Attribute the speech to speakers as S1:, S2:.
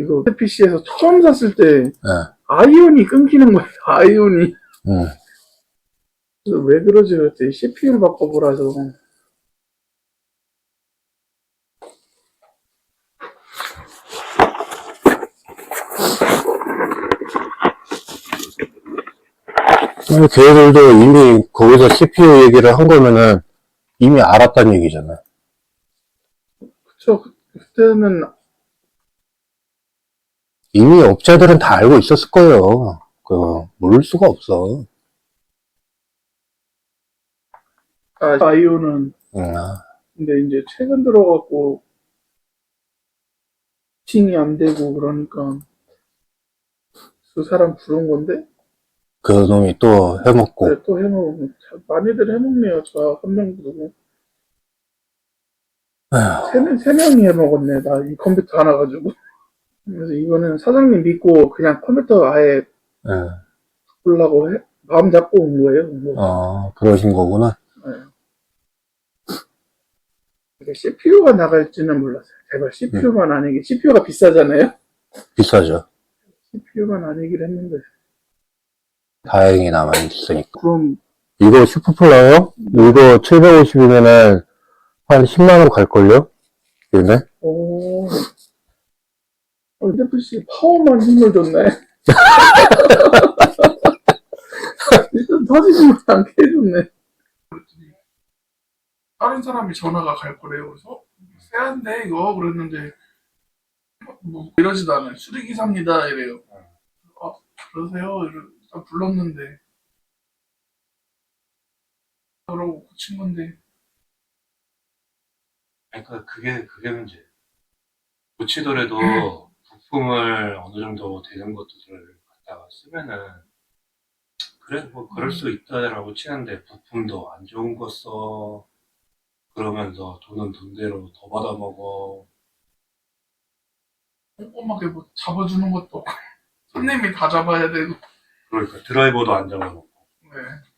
S1: 이거 PC에서 처음 샀을 때
S2: 네.
S1: 아이온이 끊기는 거예요. 아이온이.
S2: 응.
S1: 그래서 왜 그러지 그랬더니 CPU를 바꿔보라서.
S2: 걔들도 이미 거기서 CPU 얘기를 한 거면은 이미 알았다는 얘기잖아요.
S1: 그쵸. 그때는
S2: 이미 업체들은 다 알고 있었을 거예요. 모를 수가 없어.
S1: 아이온은
S2: 응.
S1: 근데 이제 최근 들어갖고 칭이 안 되고 그러니까 그 사람 부른 건데
S2: 그 놈이 또 해먹고.
S1: 그래 또 해먹고 많이들 해먹네요. 저 한 명 부르고
S2: 에휴,
S1: 세 명이 해먹었네. 나 이 컴퓨터 하나 가지고. 그래서 이거는 사장님 믿고 그냥 컴퓨터 아예
S2: 예.
S1: 보려고 마음 잡고 온 거예요. 뭐.
S2: 그러신 거구나.
S1: 네. CPU가 나갈지는 몰랐어요. 제발 CPU만 아니게 CPU가 비싸잖아요.
S2: 비싸죠.
S1: CPU만 아니길 했는데.
S2: 다행히 남아있으니까.
S1: 그럼
S2: 이거 슈퍼플라이어? 이거 750이면은 한 10만원 갈걸요? 얘네?
S1: 오. NFC 파워만 힘을 줬네. 일단 터지지 않게 해줬네. 다른 사람이 전화가 갈 거래요. 그래서 세한데 이거 그랬는데 뭐 이러지도 않아요. 수리기사입니다 이래요. 아 그러세요? 일단 불렀는데 그러고 고친 건데
S3: 그러니까 그게 문제. 고치더라도 부품을 어느 정도 되는 것들을 갖다가 쓰면은 그래 뭐 그럴 수 있다라고 치는데 부품도 안 좋은 거 써. 그러면서 돈은 돈대로 더 받아먹어.
S1: 꼼꼼하게 뭐 잡아주는 것도 없고 손님이 다 잡아야 되고.
S3: 그러니까 드라이버도 안 잡아먹고.
S1: 네.